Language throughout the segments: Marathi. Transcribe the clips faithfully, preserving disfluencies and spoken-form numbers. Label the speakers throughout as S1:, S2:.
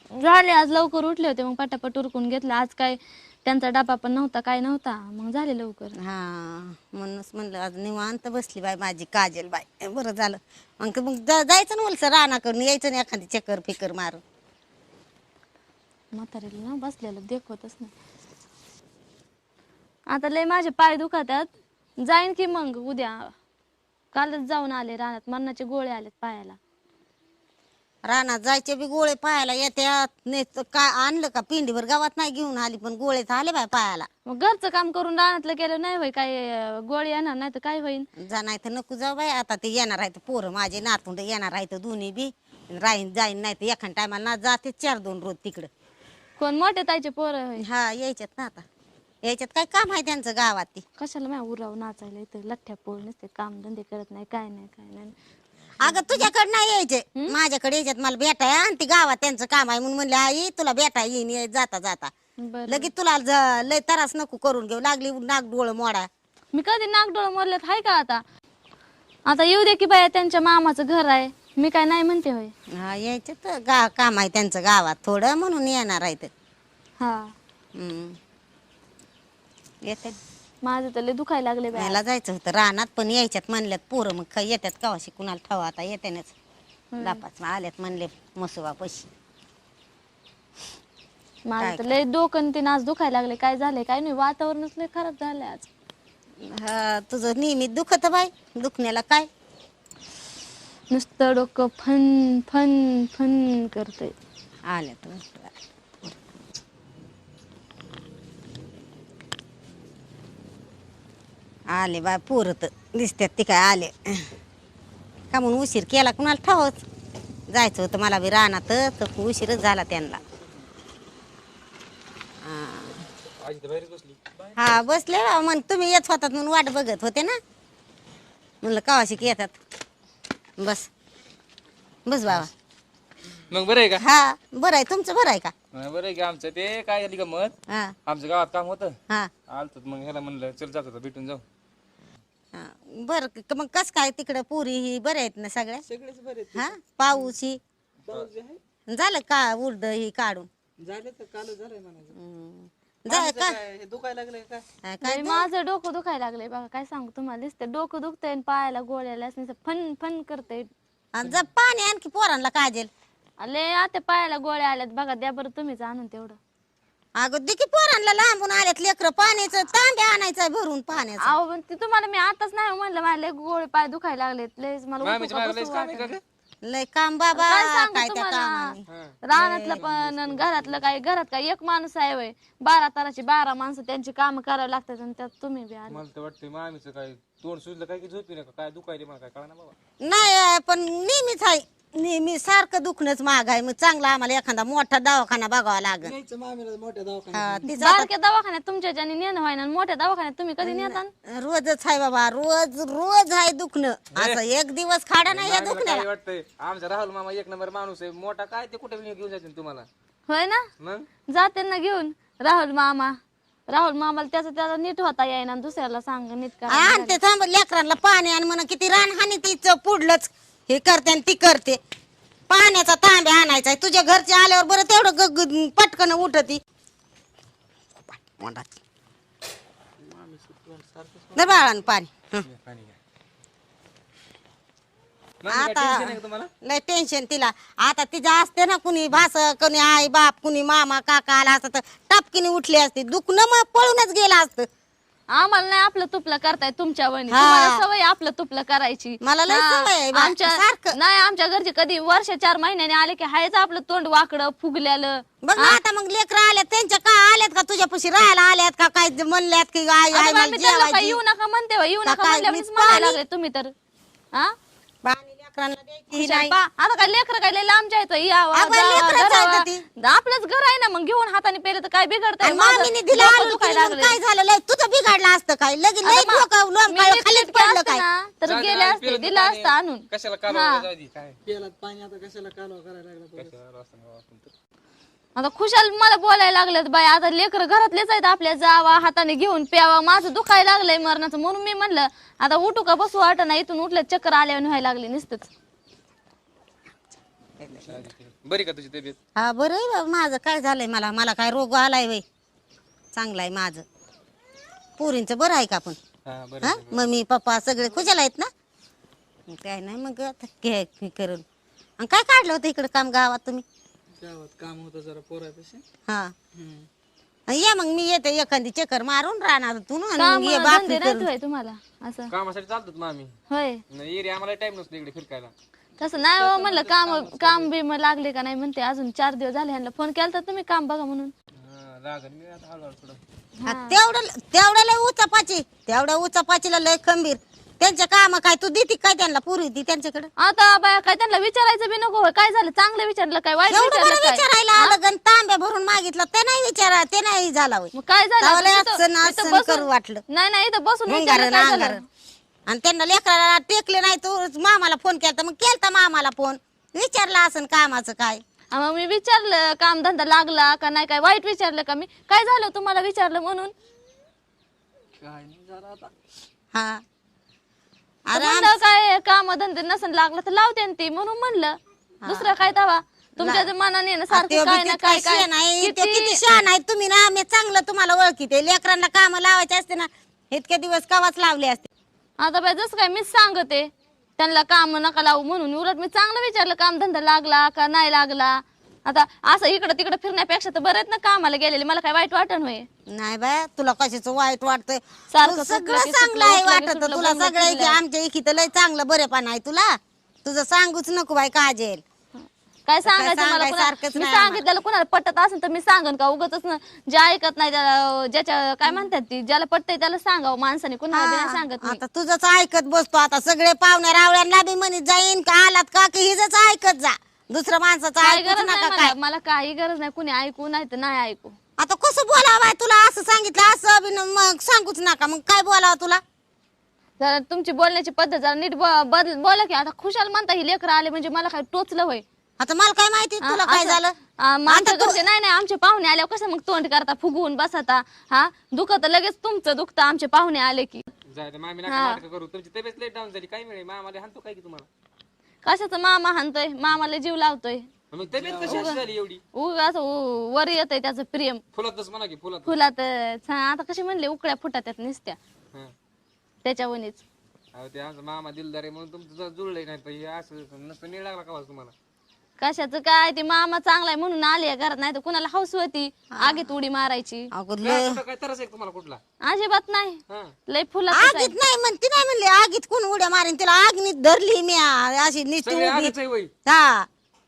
S1: झाले आज लवकर उठले होते मग पटापट उरकून घेतलं आज काय त्यांचा डबा पण नव्हता काय नव्हता मग झाले लवकर.
S2: हा म्हणूनच म्हणलं आज निवांत बसली बाई माझी काजल बाई बरं झालं मग मग जा- जायचं ना उलसं रानाकडून यायचं ना एखादी चक्कर फिकर मारून.
S1: म्हातारीला ना बसलेलं देखवतच नाही. आता लय माझे पाय दुखतात जाईन की मग उद्या कालच जाऊन आले रानात मरणाचे गोळे आलेत पायाला.
S2: रानात जायचे बी गोळे पायाला येत्यात नाही तर काय आणलं का पिंडीवर गावात नाही घेऊन आली पण गोळे तर आले बाय पायाला.
S1: मग घरचं काम करून रानातलं केलं नाही होय काय अं, गोळी येणार नाही तर काय होईल.
S2: जा नाही तर नको जाऊ बाई आता ते येणार आहे पोरं माझे नातुंड येणार आहे दोन्ही बी राहीन जाईन नाही तर एखाद टायमाला ना जाते चार दोन रोज तिकडं.
S1: कोण मोठे ताईचे पोरं होय.
S2: हा यायच्यात ना आता यायच्यात काय काम आहे त्यांचं गावात ती.
S1: कशाला माझ्या उराव नाचायला इथं लठ्ठ्या पोळ नसते काम धंदे करत नाही काय नाही काय नाही.
S2: अगं तुझ्याकडे नाही यायचे माझ्याकडे यायच्यात मला भेटाय आणि ती गावात त्यांचं काम आहे म्हणून म्हणले आई तुला भेटा येईन ये जाता जाता
S1: बरं
S2: लगेच तुला ज- लय त्रास नको करून घेऊ लागली नाक डोळ मोडा.
S1: मी कधी नागडोळ मोरल्यात हाय का आता. आता येऊ दे की बाया त्यांच्या मामाचं घर आहे मी काय नाही म्हणते होय.
S2: हा यायच्यात गा काम आहे त्यांचं गावात थोडं म्हणून येणार आहे तर.
S1: हा
S2: हम्म. येते
S1: माझं तर लय दुखायला लागले बाया.
S2: मला जायचं होतं रानात पण यायच्यात म्हणल्यात पोरं मग काय येतात कवाशी कुणाला ठेवा आता येत्यानेच लापाच आल्यात म्हणले मसुवा पशी.
S1: माझं तर लय डोकं ते नाच दुखायला लागले काय झालंय काय नाही वातावरणच लय खराब झालंय आज.
S2: हा तुझं नियमित दुखत बाई दुखण्याला काय.
S1: नुसतं डोकं फन फन फन करतंय.
S2: आल्यात आले बाय पोरं तर दिसतात ती काय आले का म्हणून उशीर केला कुणाला ठावच जायचं होतं मला बी रानात तर उशीरच झाला त्यांना. हा बसले बा मग तुम्ही येत होतात म्हणून वाट बघत होते ना म्हणलं कवाशिक येतात. बस बस बाबा.
S3: मग बरं आहे का?
S2: हा बरं आहे तुमचं बरं आहे का?
S3: हा, बरं आहे की आमचं ते काय झाली गमत
S2: हा
S3: आमच्या गावात काम होतं
S2: हा
S3: आलत मग ह्याला म्हणलं चल जात होतं भेटून जाऊ.
S2: हा. बरं क- मग कस काय तिकडं पुरी ही बरे आहेत ना सगळ्या
S4: सगळेच बरे
S2: हा पाऊस ही
S4: पाऊस जे आहे
S2: झालं का उर्द ही काढून
S4: झाले तर काल झालंय म्हणायचं.
S2: हम्म. जा
S4: माणूस
S2: का
S4: काय हे दुखायला लागलंय काय
S2: हा, काय
S1: लय माझं डोकं दुखायला लागलंय बघा काय सांगू तुम्हाला दिसतंय डोकं दुखतंय आणि पायाला गोळ्याला असं फन फन करतंय.
S2: आणि जा पाणी आणखी पोरांना काजेल.
S1: आले आता पायाला गोळ्या आल्यात बघा द्या बरं तुम्हीच आणून तेवढं.
S2: अगं देखी पोरांना लांबून आल्यात लेकर पाण्याचं तांबे आणायचं भरून पाण्याचं.
S1: अहो पण ते तुम्हाला मी आताच नाही म्हणलं मला लय गोळे पाय दुखायला लागलेत लयच मला उठू
S3: मामीच्या
S1: का
S3: मागं
S1: बसू
S3: लयच काम आहे का
S1: वाटेना.
S3: गं?
S2: लय काम बाबा
S1: काय सांगू
S2: काय त्या
S1: तुम्हाला
S2: कामाने.
S1: रानातलं पण आणि घरातलं काय घरात काय एक माणूस आहे वय बारा ताराची बारा माणसं त्यांची काम करावी लागतात आणि त्यात तुम्ही बी आले.
S3: मला तर वाटतं मामीचं काय तोंड सुजलं काय की झोपी नका काय दुखायले मला काय कळा ना बाबा.
S2: नाही पण नेहमीच आहे नेहमी सारखं दुखणंच महाग आहे मग चांगला आम्हाला एखादा मोठा दवाखाना बघावा लागेल.
S4: न्यायचं मामीला मोठ्या दवाखान्यात.
S2: हा, तिचं आता
S1: बारक्या दवाखान्यात तुमच्या ज्याने नेणं व्हायना आणि मोठ्या दवाखान्यात तुम्ही कधी नेता.
S2: रोजच आहे बाबा रोज रोज आहे दुखणं असं एक दिवस खाडा नाही या
S3: मामीला
S2: दुखण्याला.
S3: काय वाटतंय आमचा राहुल मामा एक नंबर माणूस आहे मोठा काय ते कुठे घेऊन जायचं तुम्हाला
S1: होय ना
S3: मग
S1: जाते ना घेऊन राहुल मामा राहुल मामाला त्याचा त्याचा नीट होता येईना आणि दुसऱ्याला सांग नीट करा.
S2: आणि ते थांब लेकरांना पाणी आणि म्हणा किती रान हानी तिचं पुढलंच हे करते आणि ती करते. पाण्याचा तांबे आणायचा तुझ्या घरचे आल्यावर बरं तेवढं ग- ग- पटकन उठती नाही बाळान पाणी हं.
S3: पाणी घ्या. मामी, काय
S2: आता
S3: टेन्शन आहे का तुम्हाला?
S2: लय टेन्शन तिला आता तिचं असते ना कुणी भास कुणी आई बाप कुणी मामा काका आला असतं तर टापकीने उठली असते दुखणं मग पळूनच गेलं असतं.
S1: आम्हाला नाही आपलं तुपलं करताय तुमच्या वहिनी
S2: हा.
S1: तुम्हाला सवय आपलं तुपलं करायची.
S2: मला लय
S1: हा.
S2: सवय आहे बा,
S1: आमच्या
S2: सारखं.
S1: नाही आमच्या घरचे कधी वर्ष चार महिन्याने आले की हायच आपलं तोंड वाकडं फुगल्यालं.
S2: बघ ना आता मग लेकर आल्यात त्यांच्या का आल्यात का तुझ्यापाशी राहायला आल्यात का काय म्हणल्यात की आई आई
S1: आता
S2: मला
S1: मी त्यांना काय
S2: जेवायची.
S1: येऊ नका म्हणते होय, येऊ
S2: का
S1: नका
S2: काय,
S1: म्हणल्यावरच
S2: मी
S1: म्हणायला
S2: पाणी-
S1: लागले तुम्ही तर. हा
S2: पाणी लेकरांना द्यायची
S1: हुशार
S2: नाही.
S1: पा. आता काय लेकर काय लय लांबच्या आहेत यावं,
S2: अगं,
S1: जावं,
S2: लेकरंच आहेत
S1: धरावं.
S2: ती.
S1: आपलंच घर आहे ना मग घेऊन हाताने पेलं तर काय बिघडतंय
S2: आणि
S1: माझं
S2: मामीने दिला
S1: डोकं
S2: आलू
S1: दुखायला
S2: म्हणून
S1: लागलंय.
S2: काय झालं लय तुझं बिघडलं असतं काय लगेच लय
S1: आता मा-
S2: डोकं लोंब
S1: मी
S2: काळं
S1: नीट
S2: खालीच
S1: नीटकी
S2: पडलं
S1: असते
S2: काय.
S1: ना, तर
S3: जाऊ दे,
S1: गेले
S3: आम्ही
S1: असते
S3: पिलं
S1: दिलं
S3: पाणी.
S1: असतं आणून.
S3: कशाला
S1: हा.
S3: कालवा जाऊ दे, काय
S4: पेलात पाणी आता कशाला कालवा करायला लागला परत.
S3: कशाला रस्ता नाही वापरून तर.
S1: आता खुशाल मला बोलायला लागलेत बाई आता लेकर घरातलेच आहेत आपल्या जावा हाताने घेऊन प्यावा माझं दुखायला लागलंय मरणाचं म्हणून मी म्हणलं आता उठू का बसू वाटत नाही इथून उठलं चक्कर आल्यावर व्हायला लागले नुसतंच.
S3: बरी का तुझी तब्येत?
S2: हा बरं आहे बाबा, माझं काय झालंय, मला मला काय रोग आलाय वय, चांगलं आहे माझं. पोरींचं बरं आहे का पण?
S3: हा बरं
S2: हा
S3: आहे, बरं.
S2: मम्मी पप्पा सगळे खुशाल आहेत ना? काय नाही मग आता घे घे करून. आणि काय काढलं होतं इकडे काम गावात तुम्ही?
S4: गावात काम होतं जरा पोरापाशी.
S2: हा
S4: हम्म.
S2: या मग मी येते एखादी चक्कर मारून राहणार तू ना,
S1: काम
S2: मग ये
S1: धंदे
S2: बाकी
S1: नाहीत
S2: करून.
S1: होय तुम्हाला असं?
S3: कामासाठी चालतात मामी.
S1: होय
S3: नाही एरिया आम्हाला टाइम नसतो इकडे फिरकायला.
S1: तसं नाही हो, म्हणलं काम काम बिम लागले का नाही म्हणते. अजून चार दिवस झाले ह्यांना फोन केला तर तुम्ही काम बघा म्हणून.
S3: हा, लागल मी आता हळूहळू थोडं.
S2: हा, तेवढं तेवढं लय उचापाची, तेवढ्या उचापाचीला लय खंबीर. त्यांचे काम काय तू देती काय त्यांना पुरी ती त्यांच्याकडे?
S1: आता बाया काय त्यांना विचारायचं बी नको होय. काय झालं, चांगलं विचारलं काय, वाईट
S2: एवढं
S1: विचारलं
S2: बरं
S1: काय?
S2: विचारायला आलं गण तांब्या भरून मागितलं ते नाही विचारा, ते नाही झाला होय.
S1: मग काय झालं?
S2: तावले
S1: आता
S2: असं ना
S1: इथं- इथं
S2: असं
S1: बसून-
S2: करू वाटलं.
S1: नाही नाही इथं बसून विचारलं
S2: अंगारं
S1: काय
S2: अंगारं.
S1: झालं.
S2: आणि त्यांना लेकराला टेकले नाही, तू मामाला फोन केला मग केलता मामाला फोन, विचारला असं कामाचं काय.
S1: हा, मग मी विचारलं काम धंदा लागला का नाही, काय वाईट विचारलं का मी? काय झालं तुम्हाला विचारलं म्हणून?
S4: काय नाही झालं आता.
S2: हा
S1: तर
S2: अरे
S1: म्हणलं काय काम धंदे नसन लागला तर लावते ना ती, म्हणून म्हणलं. दुसरं काय तवा तुमच्या जे मनाने ना सारखं
S2: त्यो
S1: काय
S2: बी
S1: ना
S2: तितका
S1: काय काय
S2: शहाणा आहे, त्यो
S1: किती-
S2: किती शहाणा आहे तुम्ही ना, मी चांगलं तुम्हाला ओळखीते. लेकरांना काम लावायचे असते ना इतके दिवस कवाच लावले असते.
S1: आता बाय जसं काय मीच सांगते त्यांना काम नका लावू म्हणून. उलट मी चांगलं विचारलं काम धंदा लागला का नाही लागला. आता असं इकडं तिकडं फिरण्यापेक्षा तर बरेच ना कामाला गेलेले, मला काय वाईट वाटण होय.
S2: नाही बाय तुला कशाचं वाईट वाटतंय,
S1: सारखं
S2: तू
S1: सुटलं
S2: सगळं
S1: की
S2: चांगलं
S1: सुटलं,
S2: आहे
S1: उठलं की
S2: वाटत
S1: सुटलं,
S2: तुला.
S1: बोलणं
S2: सगळं
S1: फिरलं.
S2: आमच्या इथे लय चांगलं बरेपण आहे तुला, तुझं सांगूच नको बाय काजेल.
S1: काय सांगायचं मला
S2: सांगायचं
S1: कुणा-
S2: सारखंच
S1: मी
S2: नाही
S1: सांगितलेलं कुणाला पटत असेल तर मी सांगन का उगाच ना. जे ऐकत नाही त्याला, ज्याच्या काय म्हणतात ती, ज्याला पटतंय त्याला सांगावं माणसाने, कुणाला बी नाही सांगत मी.
S2: आता तुझंच ऐकत बसतो. आता सगळे पाहुण्या रावळ्यांना बी म्हणत जाईन का आलात का की हिजच ऐकत जा, दुसरं माणसाचं
S1: काय
S2: ऐकूच
S1: गरज नाही
S2: नका
S1: मला,
S2: काय.
S1: मला काही गरज नाही कुणी ऐकू नाही तर नाही ऐकू.
S2: आता कसं बोलावं बाय तुला, असं सांगितलं असं बी न- मग सांगूच नका, मग काय बोलावं तुला?
S1: जरा तुमची बोलण्याची पद्धत जरा नीट ब- बदल बोला की. आता खुशाल म्हणता ही लेकरं आले म्हणजे मला काय टोचलं होय.
S2: आता मला काय माहिती तुला काय
S1: असं-
S2: झालं.
S1: आ, मग आमच्या
S2: आता तू-
S1: घरचे नाही नाही आमचे पाहुणे आल्यावर कसं मग तोंड करता, फुगवून बसता. हा दुखत लगेच तुमचं दुखतं आमचे पाहुणे आले की.
S3: जाय ते मामी नका
S1: हा.
S3: नाटकं करू. तुमची तब्येत लेट डाऊन झाली काय मिळेल मामाला हाणतो काय की तुम्हाला?
S1: कशाचं मामा हाणतोय, मामाला जीव लावतोय.
S3: मग तब्येत कशी अशी झाली एवढी?
S1: उग असं उ- वर येतंय त्याचं प्रेम
S3: फुलातच म्हणा की फुलात.
S1: फुलात. हा, आता कशी म्हणले उकळ्या फुटात त्यात निसत्या
S3: हा.
S1: त्याच्यावनीच.
S3: अहो ते आमचा मामा दिलदार आहे म्हणून तुमचं जरा जुळलंय, नाही तर हे असं नसतं नीळ लागला का तुम्हाला?
S1: कशाचं काय, ते मामा चांगलाय म्हणून आले घरात, नाही तर कुणाला हौस होती आगीत उडी मारायची.
S2: अगं
S3: काय
S2: लय
S3: कुठं काय तरच आहे तुम्हाला कुठला?
S1: अजिबात नाही,
S3: हा.
S1: लय फुलात
S2: आगीत नाही म्हणती, नाही म्हणले आगीत कोण उड्या मारेन, तिला आगनीत धरली मी आ- अशी नुसती
S3: सगळे
S2: उभी.
S3: आगच आहे वय.
S2: हा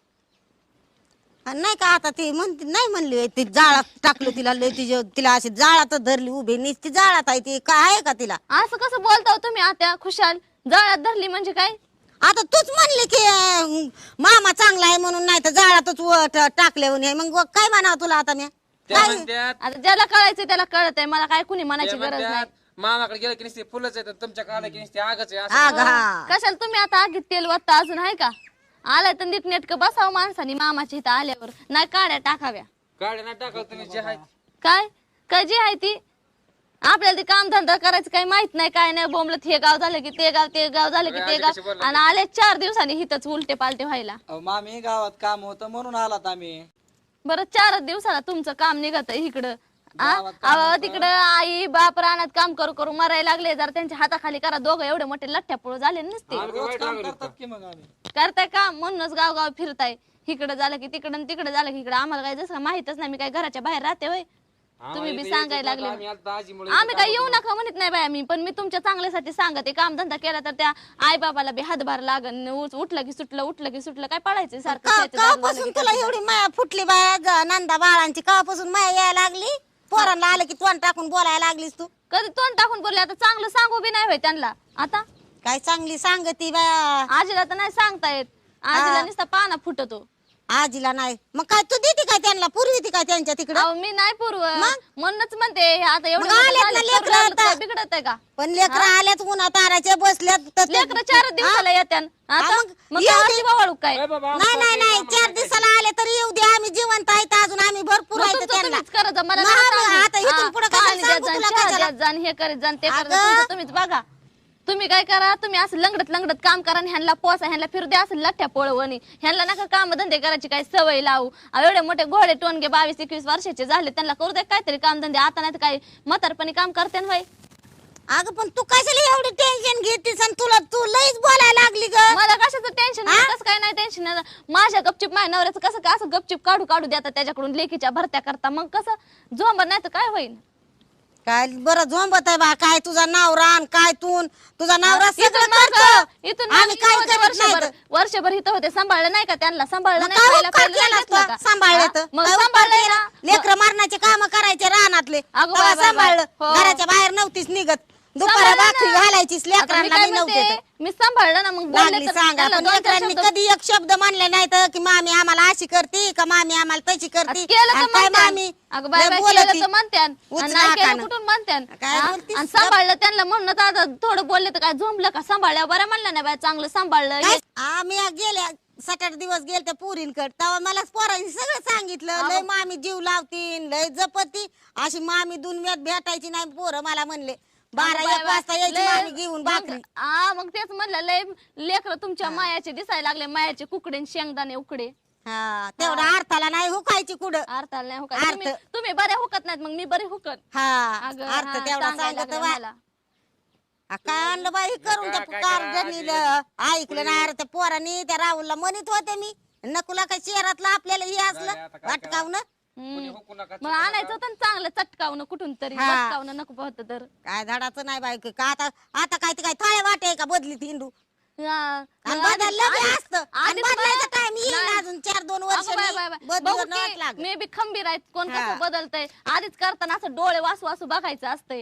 S2: आणि नाही का आता ती म्हणते, नाही म्हणली होय, ती जाळात टाकलं तिला, लय तिच्या तिला अशी जाळातच धरली उभी, नुसती जाळात आहे ती, काय आहे का तिला?
S1: असं कसं बोलता हो तुम्ही आता? खुशाल जाळ्यात धरली म्हणजे काय?
S2: आता तूच म्हणली की अं, मामा चांगला आहे म्हणून, नाही तर जाळातच व- ट- टाकल्यावर नाही, मग काय म्हणावं तुला आता मी?
S3: त्या म्हणत्यात
S1: आता ज्याला कळायचं त्याला कळत आहे, मला काय कुणी
S3: त्या
S1: म्हणायची गरज नाही.
S3: म्हणत्यात मामाकडे गेलं की नुसते फुलंच येतात, तुमच्या काला की नुसते आगच आहे असं.
S2: आग हा
S1: कशाला तुम्ही आता आगीत तेल वाटता अजून आहे का? आलाय तर नीट नेटकं बसावं माणसानी मामाच्या इथं आल्यावर, नाही काड्या टाकाव्या.
S3: गाड्या ना टाकाल तुम्ही जे आहे.
S1: काय काय जी आहे ती, आपल्याला ते काम धंदा करायचं काही माहित नाही, काय नाही. बोंबलत हे गाव झालं की ते गाव, ते गाव झालं की ते
S3: अरे, कशी
S1: गाव,
S3: बोलला
S1: आणि आले चार दिवसांनी हिथंच उलटे पालटे व्हायला.
S4: अहो मामी गावात काम होतं म्हणून आलात आम्ही.
S1: बरं चारच दिवसाला तुमचं काम निघत इकडं.
S4: गावात
S1: अहो तिकडं आई बाप रानात काम करू करू मरायला लागले. जरा त्यांच्या हाताखाली करा, दोघं एवढे मोठे लठ्ठ्या पोळ झाले नसते.
S3: आम्ही काय
S4: रोज
S3: वाईट
S4: काम
S3: लागलो
S4: करतात
S3: का?
S4: की मग आम्ही.
S1: करताय का म्हणूनच गाव गाव फिरताय. इकडं झालं की तिकडं, तिकडं झालं की इकडं. आम्हाला काय जसं माहितच नाही, मी काय घराच्या बाहेर राहते होय. तुम्ही बी
S3: आम्हाला इथं
S1: सांगायला
S3: यायचं
S1: लागले.
S3: नव्हतं, आम्ही आता आजीमुळे
S1: आम्ही काय येऊ नका म्हणत नाही बाय आम्ही, पण मी तुमच्या चांगल्यासाठी सांगते. काम धंदा केला तर त्या आई बाबाला बी हातभार लागन. उठ- उठलं की सुटलं, उठलं की सुटलं, काय पडायचं सारखं
S2: का-
S1: शेती दार झालं
S2: कापासून
S1: की
S2: तुला
S1: कसं.
S2: एवढी माया फुटली बाया ग- नंदा बाळांची, कापासून माया यायला लागली? पोरांना आलं की तोंड टाकून बोलायला लागलीस तू.
S1: कधी तोंड टाकून बोलले, आता चांगलं सांगू बी नाही होय त्यांना. आता
S2: काय चांगली सांगती बाया.
S1: आजीला तर नाही सांगता येत, आजीला नुसता पाना फुटतो.
S2: आजीला नाही मग काय तू देते काय त्यांना, पुरविती काय त्यांच्या तिकडं?
S1: अहो मी नाही पूर्व म्हणूनच म्हणते आता एवढं
S2: मग
S1: मोठं
S2: आलेत
S1: झालं,
S2: ना
S1: करू
S2: लेकरं
S1: लागलं तर
S2: आता.
S1: काय बिघडत आहे का?
S2: पण लेकरं आल्यात उन्हा ताराच्या बसल्यात तर ते-
S1: लेकरं चार दिवसाला येत्यान. आता
S2: मग
S1: मग
S2: येऊ
S1: काय
S2: दे.
S1: अशी बावळू काय?
S3: ए बाबा,
S2: नाही
S3: आमचं
S2: नाही
S3: काय
S2: नाही
S3: आम्हाला
S2: चार
S3: काय
S2: दिवसाला आले तरी येऊ दे, आम्ही जिवंत आहेत अजून, आम्ही भरपूर
S1: मग
S2: आहेत
S1: तुमचं
S2: त्यांना.
S1: तुम्हीच करत जा, मला
S2: मग
S1: नका
S2: आम्ही
S1: सांगू.
S2: आता इथून
S1: हा,
S2: पुढं कशाला
S1: पाणी द्यात
S2: सांगू
S1: जाण,
S2: तुला
S1: चहा
S2: कशाला?
S1: द्यात जाण, हे करीत जाण, ते करत
S2: अगं.
S1: जाण, तुमचं तुम्हीच बघा. तुम्ही काय करा, तुम्ही असं लंगडत लंगडत काम करा आणि ह्यांना पोसा, ह्यांना फिरू द्या असं लठ्ठ्या पळवणी. ह्यांना नका काम धंदे करायची काही सवय लावू. अहो, एवढे मोठे घोडे टोनगे बावीस एकवीस वर्षाचे झाले, त्यांना करू दे काहीतरी काम धंदे. आता नाही तर काही म्हातारपणी काम करते ना.
S2: अगं पण तू कशाला एवढी टेन्शन घेतीस आणि तुला तू लईच बोलायला लागली ग.
S1: मला कशाचं टेन्शन, कसं काय नाही टेन्शन. माझ्या गपचिप माझ्या नवऱ्याचं कसं काय असं गपचिप काढू काढू देतात त्याच्याकडून लेखीच्या भरत्या करता, मग कसं झोंबर नाही तर काय होईल.
S2: काय बरं झोंबत आहे बा, काय तुझा नवरा आणि काय तू तुझा नवरा सगळं
S1: इथून मागं-
S2: करतो.
S1: इथून
S2: आम्ही
S1: मागं
S2: काय
S1: होते
S2: करत नाही
S1: वर्षभर
S2: तर.
S1: वर्षभर इथं होते, सांभाळलं नाही का त्यांना? सांभाळलं
S2: मग
S1: नाही,
S2: काय
S1: पहिला-
S2: उपकार
S1: पहिला नाही
S2: केलास
S1: घेतलं
S2: तू?
S1: का?
S2: सांभाळलं
S1: हा?
S2: तर.
S1: मग
S2: काय उपकार
S1: सांभाळलंय
S2: केला?
S1: ना.
S2: लेकरं मारण्याचे काम करायचे रानातले
S1: अगं
S2: तेव्हा
S1: बाय, बाय,
S2: सांभाळलं.
S1: बाय. हो.
S2: घराच्या बाहेर नव्हतीस निघत, दुपारा
S1: सांभाळलं
S2: भाकरी
S1: ना.
S2: घालायचीस
S1: आता मी
S2: लेकरांना
S1: काय
S2: मी नव्हते
S1: म्हणते,
S2: तर.
S1: मी सांभाळलं ना. मग बोलले
S2: लागली
S1: तर
S2: सांगा
S1: त्याला
S2: पण
S1: दोन चार
S2: लेकरांनी
S1: शब्द-
S2: कधी एक शब्द म्हणले नाही तर की मामी आम्हाला अशी करते का मामी आम्हाला तशी करते
S1: केलं तर
S2: आणि काय
S1: म्हणत्यान.
S2: मामी
S1: अगं बाय
S2: लय
S1: बाय,
S2: बोलती.
S1: केलं तर म्हणत्यान.
S2: उचला
S1: आणि नाही केलं
S2: हाकानं.
S1: कुठून म्हणत्यान.
S2: काय
S1: हा?
S2: बोलतीस?
S1: आणि सांभाळलं त्यांना म्हणून आता थोडं बोलले तर काय झोंबलं का? सांभाळल्या बरं म्हणलं नाही बाय, चांगलं सांभाळलं.
S2: काय? आम्ही गेल्या सात आठ दिवस गेले त्या पुरींकडे तेव्हा मला पोरांनी सगळं सांगितलं. लय मामी जीव लावतीन, लय जपती, अशी मामी दुनियात भेटायची नाही. पोरं मला म्हणले बारा
S1: अगं बाय
S2: एक वाजता
S1: बाय,
S2: यायची
S1: लय-
S2: मामी घेऊन भाकरी.
S1: मग- हा मग तेच म्हणलं, लय लेकर तुमच्या मायाचे दिसायला लागले, मायाचे कुकडे आणि शेंगदाणे उकडे.
S2: हा तेवढा अर्थाला नाही हुकायची कुठं.
S1: अर्थाला नाही हुकत.
S2: अर्थ.
S1: तुम्ही तुम्ही बरे हुकत नाहीत, मग मी बरे हुकत.
S2: हा
S1: अगं,
S2: अर्थ
S1: हा,
S2: तेवढा
S1: सांगायला
S2: सांगत
S1: लागलं
S2: बा.
S1: मला.
S2: आ, काय आणलं बाई करून त्या
S3: काय
S2: कार्डनी ऐकलं नाही. अरे त्या पोरांनी त्या राहुलला म्हणत होते मी नकुला काय शहरातलं आपल्याला हे
S3: झालं,
S2: असलं
S3: आता काय
S2: वाटकावणं.
S1: हम्म.
S3: कोणी हुकू नका,
S1: मग आणायचं होतं ना चांगलं चटकावणं कुठून तरी,
S2: हा.
S1: बटकावणं नको होतं तर.
S2: काय झाडाचं नाही बाई का आता आता काय ते काय थाळे वाटे का बदलीत हिंदू
S1: हा.
S2: आणि
S1: मग आधी-
S2: बदललं बी
S1: आधी-
S2: असतं आणि
S1: आधी
S2: बदलायचा
S1: तुम्हाला-
S2: टाइम येईल
S1: नाही.
S2: अजून चार दोन वर्ष
S1: अगं बाय बाय बाय. बघू
S2: बदलत
S1: की
S2: लागत.
S1: मे बी खंबीर आहेत, कोण
S2: हा.
S1: कसं बदलतंय आधीच करताना असं डोळे वासू वासू बघायचं असतंय.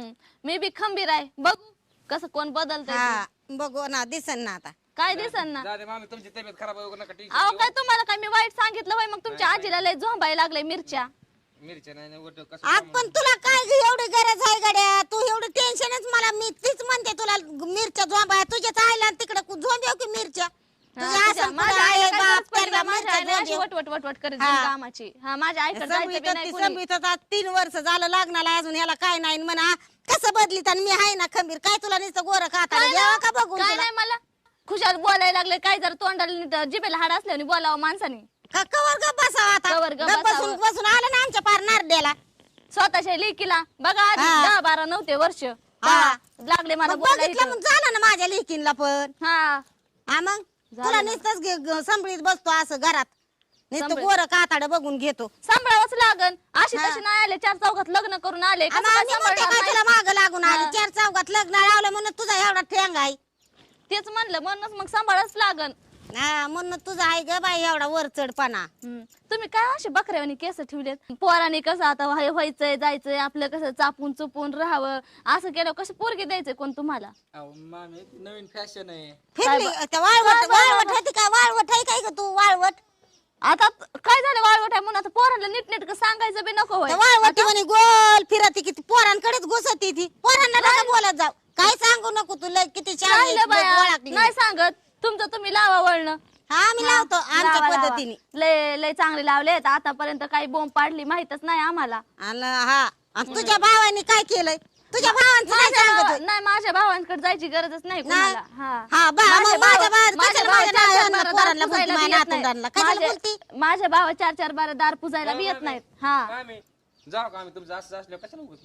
S1: मे बी खंबीर आहे, बघू कसं कोण बदलतंय ते.
S2: हा बघू ना दिसन ना आता.
S1: काय दिसन ना.
S3: जाऊ दे मामी, तुमची तब्येत खराब होऊ नका. टेन्शन
S1: अहो
S3: घेऊ.
S1: काय तुम्हाला काय मी वाईट सांगितलं होय? मग तुमच्या आजीला लय झोंबायला लागले मिरच्या.
S3: मिरच्या नाही नाही, उलटं कसं
S2: आज पण तुला काय ग एवढी गरज आहे गड्या? तू एवढं टेन्शनच मला मी तीच म्हणते तुला मिरच्या झोंबा तुझ्याच आईला तिकडे झोंब्याव की मिरच्या
S1: हा,
S2: तुझ्या
S1: तुझ्या-
S2: असं
S1: माझ्या
S2: कुठं
S1: आईला
S2: आहे
S1: काय
S2: बाप
S1: गरज पडली
S2: त्यांना
S1: का? माझ्या
S2: मिरच्या
S1: आईला अशी
S2: झोंब्याव.
S1: वट वट वट वट करत
S2: हा.
S1: जाईल कामाची. हा माझ्या आईकडे जायचं बी
S2: संभीत
S1: नाही
S2: ती
S1: कोणी.
S2: संभीत आता तीन वर्ष झालं लग्नाला अजून ह्याला काय नाही म्हणा कसं बदलीत आणि मी आहे ना खंबीर काय तुला नुसतं गोरं खाता
S1: काय
S2: जेव्हा का
S1: नाही-
S2: बघून
S1: काय
S2: तुला?
S1: नाही मला खुशाल बोलायला लागले. काय जर तोंडाला नीट जिभेला हाड असल्याने बोलावं माणसाने.
S2: का कवर गप बसावं आता
S1: कवर गप
S2: गप बसून
S1: बसावं.
S2: बसून आलं ना आमच्या पार नारड्याला.
S1: स्वतःच्या लेकीला बघा आधी
S2: हा.
S1: दहा बारा नव्हते वर्ष
S2: हा.
S1: तेव्हा लागले मला
S2: मग बघितलं
S1: बोलायचं.
S2: मग झालं ना माझ्या लेकीनला पण.
S1: हा
S2: हा मग
S1: झालं
S2: तुला
S1: ना.
S2: नुसतंच संभळीत बसतो असं घरात नुसतं
S1: संभळीत.
S2: गोरं काताड बघून घेतो.
S1: सांभाळावंच लागन. अशी
S2: हा.
S1: तशी नाही आले, चार चौघात लग्न करून आले, कसं
S2: आणि
S1: काय
S2: आम्ही म्हणते
S1: सांभाळणार
S2: काय तुला
S1: नाही?
S2: माग लागून आली
S1: हा.
S2: चार चौघात लग्न लावलं म्हणून तुझा एवढा ठेंग आहे.
S1: तेच म्हणलं, म्हणूनच मग सांभाळच लागन.
S2: हा म्हणून तुझा आहे ग बाई एवढा वर चढपणा.
S1: हम्म. तुम्ही काय असे बकऱ्यावानी केस ठेवलेत? पोराने कसं आता व्हाय- व्हायचंय जायचंय आपलं, कसं चापून चुपून राहावं, असं केलं कसं पोरगी द्यायचंय कोण तुम्हाला?
S4: अहो, मामी ती नवीन फॅशन आहे.
S2: फिरली
S1: काय
S2: त्या वाळवट
S1: काय बा-
S2: वाळवट होती काय वाळवट आहे काय ग तू वाळवट?
S1: आता काय झालं वाळवट आहे म्हणून आता पोरांना नीटनेटकं सांगायचं बी नको होय.
S2: त्या वाळवटी म्हणे गोल फिरती किती पोरांकडेच घुसती ती. पोरांना नका बोलत जाऊ. काय सांगू नको तुला किती छान आहे,
S1: राहिलं बाया,
S2: ओळखली.
S1: नाही सांगत. तुमचं तुम्ही लावा वळणं.
S2: हा आम्ही लावतो आमच्या
S1: लावा, लावा.
S2: पद्धतीने.
S1: लय लय चांगले लावलेत. आतापर्यंत काही बोंब पाडली माहितच नाही आम्हाला.
S2: आणि हा आणि तुझ्या भावाने काय केलंय? तुझ्या भावांचं काय
S1: माझ्या
S2: सांगत
S1: भावा-
S2: होय?
S1: नाही माझ्या भावांकडे जायची गरजच नाही कोणाला. हा
S2: हा बा
S1: माझे
S2: मग माझ्या
S1: भाव-
S2: भावात
S1: माझे
S2: कशाला
S1: भाव
S2: माझ्या
S1: चार चार
S2: नावानं
S1: बारा
S2: पोरांना
S1: दार
S2: बोलती,
S1: पुजायला
S2: माझ्या
S1: बी येत नाही.
S2: नातवंडांना कशाला
S1: माझे-
S2: बोलती?
S1: माझ्या भावा चार चार बारा दार पुजायला बी येत नाहीत. हा
S3: मामी जाऊ का आम्ही तुमचं असं असल्यावर कशाला उगाच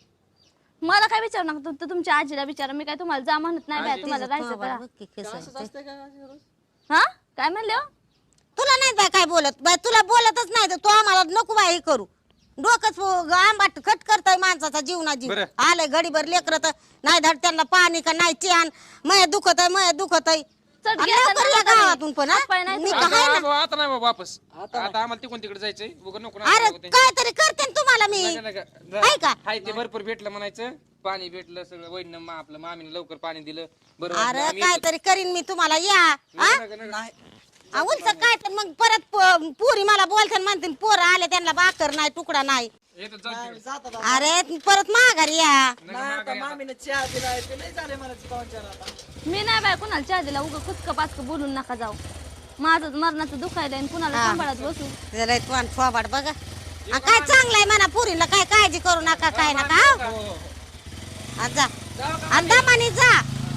S3: मग
S1: मला काय विचारू नका, तू तुमच्या आजीला विचारा. मी काय तुम्हाला जा म्हणत नाही बाय,
S3: आजी-
S1: तुम्हाला
S2: तुझं
S1: राहायचं
S2: थोबाड
S1: तर.
S2: बघ की कसं
S4: असंच
S2: आहे.
S4: असतंय का अशी रोज?
S1: हा काय म्हणले हो?
S2: तुला नाही बाय काय बोलत बाय तुला बोलतच नाही तर तू आम्हाला नको बाय हे करू. डोकंच आंबाट खट करताय माणसाचा जीवना जीव.
S3: बरं.
S2: आलंय घडीभर लेकर तर नाही धड त्यांना पाणी का नाही चॅन मय दुखत आहे मय दुखत आहे.
S1: चट
S2: आणि
S1: घ्यायचा
S2: लवकर
S1: ना
S2: या
S1: हाताने.
S2: गावातून पण हा?
S1: हातपाय नाही
S2: मी
S1: धुवायचे.
S2: काय
S3: आता
S2: ना
S3: आता नाही बाबा वापस. आता आम्हाला तिकडून तिकडे जायचंय उगा नको ना
S2: अरे
S3: उगा ते-
S2: काय तरी करते ना तुम्हाला मी
S3: नका- नका. जा.
S2: आहे का?
S3: हाय ते भरपूर भेटलं म्हणायचं. पाणी भेटलं सगळं वैन मा आपलं मामीने लवकर पाणी दिलं बरं वाटलं.
S2: अरे
S3: आम्ही
S2: काय
S3: येतो.
S2: तरी करीन मी तुम्हाला या हा?
S3: नका- नका- नका.
S4: नाही
S2: आ, उलट काय तर मग परत प- पुरी मला बोलते म्हणते पोरं आले त्यांना भाकर नाही तुकडा नाही.
S3: येतो जाऊ तिकडे.
S4: जातात आता.
S2: अरे परत माघारी या.
S4: नाही आता मामीने चहा दिलाय ते नाही झाले मला पाहुणे चार आता.
S1: मी नाही बाय कुणाला चहा दिला. उगा कुचक पाचक बोलून नका जाऊ. माझं मरणाचं दुखायला आणि कुणाला
S2: हा.
S1: सांभाळत बसू.
S2: जरा तू आणि थोबाड बघा आ, काय चांगलंय म्हणा पुरीला काय काळजी करू नका काय नका
S3: हो, हो.
S2: हा, जा आणि दमानी जा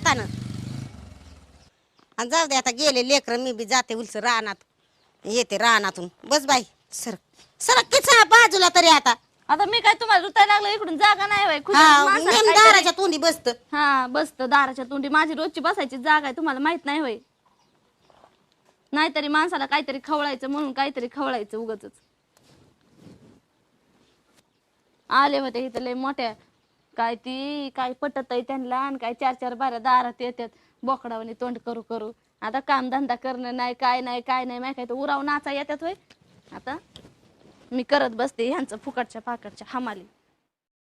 S2: हक्कानं. आणि जाऊ दे आता गेले लेकर, मी बी जाते उलस रानात, येते रानातून. बस बाई सर सरक किचा बाजूला तरी आता.
S1: आता मी काय तुम्हाला रुतायला लागलं इकडून जागा नाही होय खुशाल
S2: हा
S1: माणसाला
S2: नेम
S1: काहीतरी-
S2: दाराच्या तोंडी बसत.
S1: हा बसत दाराच्या तोंडी. माझी रोजची बसायची जागा आहे, तुम्हाला माहित नाही होय. नाहीतरी माणसाला काहीतरी खवळायचं म्हणून काहीतरी खवळायचं उगाच. आले होते इथं लय मोठ्या, काय ती काय पटत आहे त्यांना, आणि काय चार चार बारा दारात येतात बोकडावानी तोंड करू करू. आता काम धंदा करणं नाही, काय नाही काय नाही, माहिती काय तर उराव नाचा येतात होय. आता मी करत बसते ह्यांचं फुकटच्या पाकटच्या हमाली.